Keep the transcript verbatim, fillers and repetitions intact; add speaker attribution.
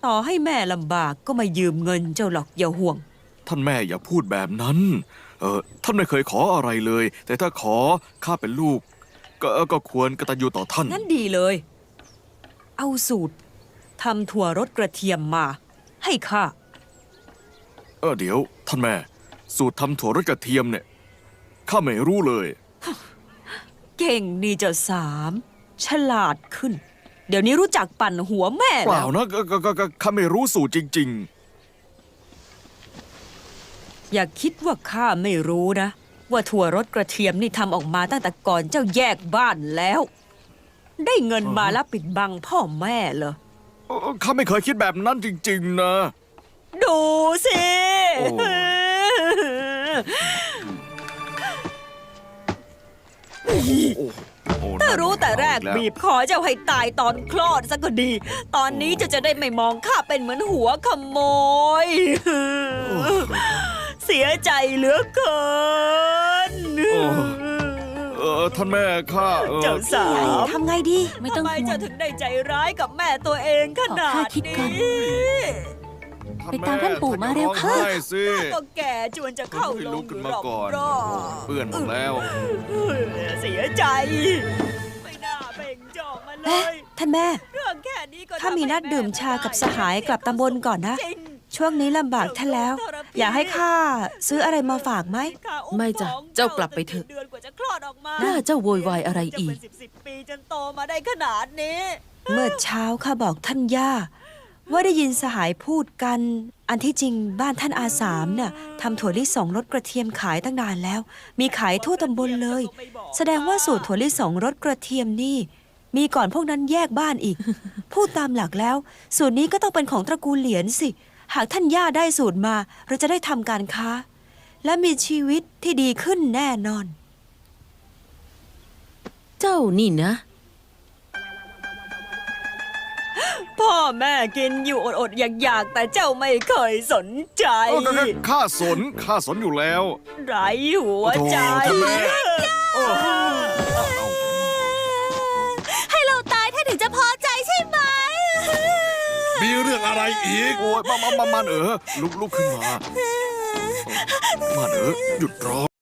Speaker 1: ต่อให้แม่ลำบากก็ไม่ยืมเงินเจ้าหรอกอย่าห่วง
Speaker 2: ท่านแม่อย่าพูดแบบนั้นเออท่านไม่เคยขออะไรเลย แต่ถ้าขอข้าเป็นลูกก็ก็ควรกตัญญูต่อท่าน
Speaker 1: งั้นดีเลย เอาสูตรทำถั่วรสกระเทียมมา ให้ข้า
Speaker 2: เออเดี๋ยวท่านแม่สูตรทำถั่วรสกระเทียมเนี่ยข้าไม่รู้เลย
Speaker 1: เก่งดีเจ้าสามฉลาดขึ้น เดี๋ยวนี้รู้จักปั่นหัวแม่
Speaker 2: เปล่านะก็ก็ก็ข้าไม่รู้สูตรจริง
Speaker 1: ๆอย่าคิดว่าข้าไม่รู้นะว่าถั่วรสกระเทียมนี่ทำออกมาตั้งแต่ก่อนเจ้าแยกบ้านแล้ว ได้เงินมาแล้วปิดบังพ่อแม่เหรอ
Speaker 2: ข้าไม่เคยคิดแบบนั้นจริงๆนะ
Speaker 1: ดูสิถ้ารู้แต่แรกบีบคอเจ้าให้ตายตอนคลอดซะก็ดีตอนนี้จะจะได้ไม่มองข้าเป็นเหมือนหัวขโมยเสียใจเหลือเกิน
Speaker 2: เออท่านแม่ข้า
Speaker 1: เจ้าสาว
Speaker 3: ทำไงดี
Speaker 1: ไม่ต้องห่วงทำไมจะถึงได้ใจร้ายกับแม่ตัวเองขนาดนี้
Speaker 3: ไปตามท่านปู่มาเร็วค่ะ
Speaker 1: ก็แก่จวนจะเข้าลงหรอก
Speaker 2: เปื่อนหมดแล้ว
Speaker 1: เสียใจไม่น่าเบ่งจอกมาเลย
Speaker 3: ท่านแม่
Speaker 1: เรื่องแค่นี้ก็
Speaker 3: ถ้ามีนัดดื่มชากับสหายกลับตำบลก่อนนะช่วงนี้ลำบากท่านแล้ว อยากให้ข้าซื้ออะไรมาฝากไหม
Speaker 4: ไม่จ้ะเจ้ากลับไปเถอะน่าเจ้าโวยวายอะไรอีก
Speaker 1: ปีจนโตมาได้ขนาดนี้
Speaker 3: เมื่อเช้าข้าบอกท่านย่าว่าได้ยินสหายพูดกันอันที่จริงบ้านท่านอาสามน่ะทำถั่วลิสงรสกระเทียมขายตั้งนานแล้วมีขายทั่วตำบลเลยแสดงว่าสูตรถั่วลิสงรสกระเทียมนี่มีก่อนพวกนั้นแยกบ้านอีก พูดตามหลักแล้วสูตรนี้ก็ต้องเป็นของตระกูลเหลียนสิหากท่านย่าได้สูตรมาเราจะได้ทำการค้าและมีชีวิตที่ดีขึ้นแน่นอน
Speaker 4: เจ้านี่นะ
Speaker 1: พ่อแม่กินอยู่อดๆอยากๆแต่เจ้าไม่เคยสนใจ
Speaker 2: ข้าสนข้าสนอยู่แล้ว
Speaker 1: ไร้หัวใจ
Speaker 3: ให้เราตายท่านถึงจะพอใจใช่ไหม
Speaker 5: มีเรื่องอะไรอีก
Speaker 2: โอ้ยมามามามาเออลุกลุกขึ้นมามาเออหยุดรอ